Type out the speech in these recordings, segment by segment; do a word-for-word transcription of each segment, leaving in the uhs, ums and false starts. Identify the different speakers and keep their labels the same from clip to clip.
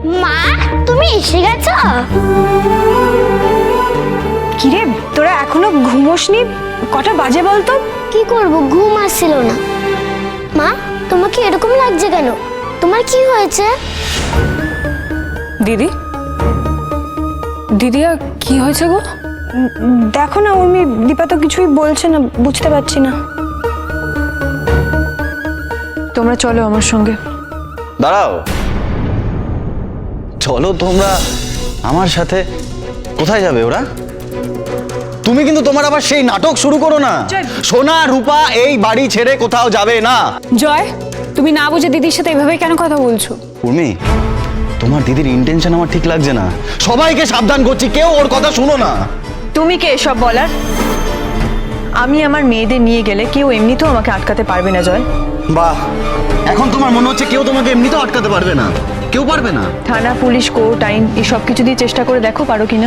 Speaker 1: মা তুমি এসে গেছো?
Speaker 2: কিরে তোরা এখনো ঘুমোসনি? কটা বাজে বলতো?
Speaker 1: কি করব, ঘুম আসছিল না। মা তোমাকে এরকম লাগছে কেন? তোমার কি হয়েছে?
Speaker 3: দিদি দিদি আর কি হয়েছে গো?
Speaker 2: দেখো না উর্মি, দীপা তো কিছুই বলছে না, বুঝতে পারছি না। তোমরা চলো আমার সঙ্গে।
Speaker 4: দাঁড়াও, চলো তোমরা আমার সাথে। কোথায় যাবে ওরা? তুমি কিন্তু তোমার আবার সেই নাটক শুরু করো না। সোনা রূপা এই বাড়ি ছেড়ে কোথাও যাবে না।
Speaker 3: জয়, তুমি না বুঝে দিদির সাথে এভাবে কেন কথা বলছো?
Speaker 4: উর্মি, তোমার দিদির ইন্টেনশন আমার ঠিক লাগছে না। সবাইকে সাবধান করছি, কেউ ওর কথা শুনো না।
Speaker 5: তুমি কে এসব বলার? আমি আমার মেয়েদের নিয়ে গেলে কেউ এমনিতেও আমাকে আটকাতে পারবে না জয়।
Speaker 4: বাহ, এখন তোমার মনে হচ্ছে কেউ তোমাকে এমনিতেও আটকাতে পারবে না? কেউ পারবে না?
Speaker 5: থানা, পুলিশ, কোর্ট, আইন এসব কিছু দিয়ে চেষ্টা করে দেখো পারো কিনা।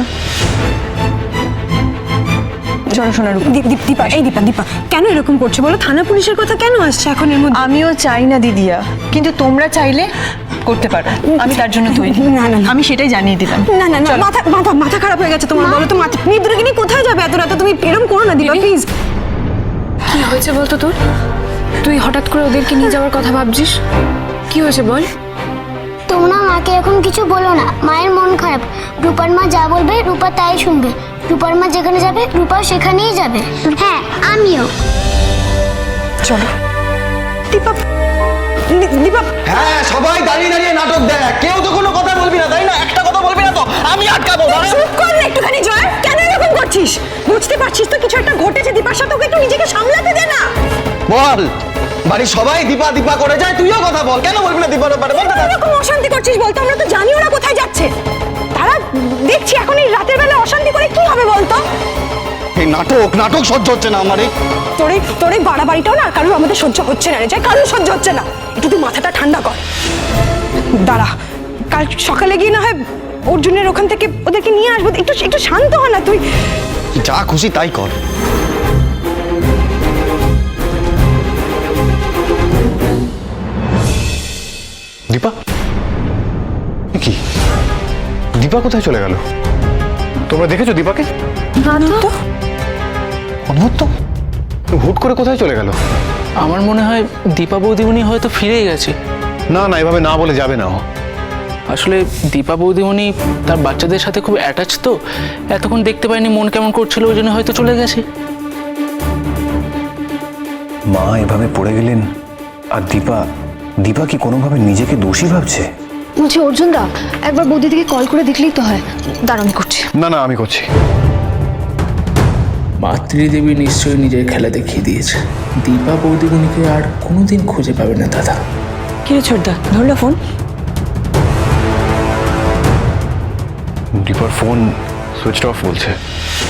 Speaker 5: চলো সোনা রূপা।
Speaker 2: দীপা, এই দীপা দীপা কেন এরকম করছো বলো? থানা পুলিশের কথা কেন আসছে এখন এর মধ্যে?
Speaker 5: আমিও চাই না দিদিয়া, কিন্তু তোমরা চাইলে করতে পারো। আমি তার জন্য তৈরি।
Speaker 2: না না না,
Speaker 5: আমি সেটাই জানিয়ে দিলাম।
Speaker 2: না না না, মাথা মাথা মাথা খারাপ হয়ে গেছে তোমার। বলো তো মাথা নিদ্রকে নিয়ে কোথায় যাবে এত রাতে? তুমি এরকম করো না দীপা, প্লিজ।
Speaker 3: কি হয়েছে বলতো তোর? তুই হঠাৎ করে ওদেরকে নিয়ে যাওয়ার কথা ভাবছিস? কি হয়েছে বল?
Speaker 1: তোমরা মাকে এখন কিছু বলো না, মায়ের মন খারাপ। রূপার মা যা বলবে রূপা তাই শুনবে। রূপার মা যেখানে যাবে রূপা সেখানেই যাবে। হ্যাঁ আমিও।
Speaker 2: চলো দীপা, দীপা।
Speaker 4: হ্যাঁ, সবাই দাঁড়িয়ে দাঁড়িয়ে নাটক দেখ। কেউ তো কোনো কথা বলবি না, তাই না? একটা কথা বলবি না তো আমি আটকাবো।
Speaker 2: চুপ কর না একটুখানি জয়, কেন এরকম করছিস? বুঝতে পারছিস তো কিছু একটা ঘটেছে দীপার সাথে, ওকে একটু নিজেকে সামলাতে দে না।
Speaker 4: বল, বাড়ির সবাই দীপা দীপা করে যায়, তুইও কথা বল। কেন বলবি না দীপার ব্যাপারে? বল।
Speaker 2: এরকম অশান্তি করছিস বলতো? আমরা তো জানি ওরা কোথায় যাচ্ছে। তারা দেখছি এখন এই রাতের বেলা অশান্তি করে কি হবে বলতো?
Speaker 4: এই নাটক নাটক সহ্য হচ্ছে না আমার। এই
Speaker 2: তোর এই তোর এই বাড়াবাড়িটাও না কারোর আমাদের সহ্য হচ্ছে না রে জয়, কারোর সহ্য হচ্ছে না। একটু তুই মাথাটা ঠান্ডা কর। দাঁড়া, কাল সকালে গিয়ে না হয় অর্জুনের ওখান থেকে ওদেরকে নিয়ে আসবো। একটু একটু শান্ত হ না তুই।
Speaker 4: যা খুশি তাই কর।
Speaker 6: দীপা, কি দীপা কোথায় চলে গেল? তোমরা দেখেছো দীপাকে? অদ্ভুত তো, হুট করে কোথায় চলে গেল?
Speaker 7: আমার মনে হয় দীপা বৌদিমণি হয়তো ফিরেই গেছে।
Speaker 6: না না, এভাবে না বলে যাবে না ও।
Speaker 7: আসলে দীপা বৌদিমণি তার বাচ্চাদের সাথে খুব অ্যাটাচ, তো এতক্ষণ দেখতে পাইনি, মন কেমন করছিল, ওই জন্য হয়তো চলে গেছে।
Speaker 8: মা এভাবে পড়ে গেলেন, আর দীপা দীপা কি কোনোভাবে নিজেকে দোষী ভাবছে?
Speaker 3: বলছি অর্জুন দা, একবার বৌদি দিকে কল করে দেখলেই তো হয়। দাঁড়ান আমি করছি।
Speaker 6: না না, আমি করছি।
Speaker 7: মাতৃদেবী নিশ্চয়ই নিজের খেলা দেখিয়ে দিয়েছে। দীপা বৌদিমণিকে আর কোনোদিন খুঁজে পাবে না দাদা।
Speaker 2: কিরে ছোটদা, ধরলো ফোন?
Speaker 6: দীপার ফোন সুইচ অফ বলছে।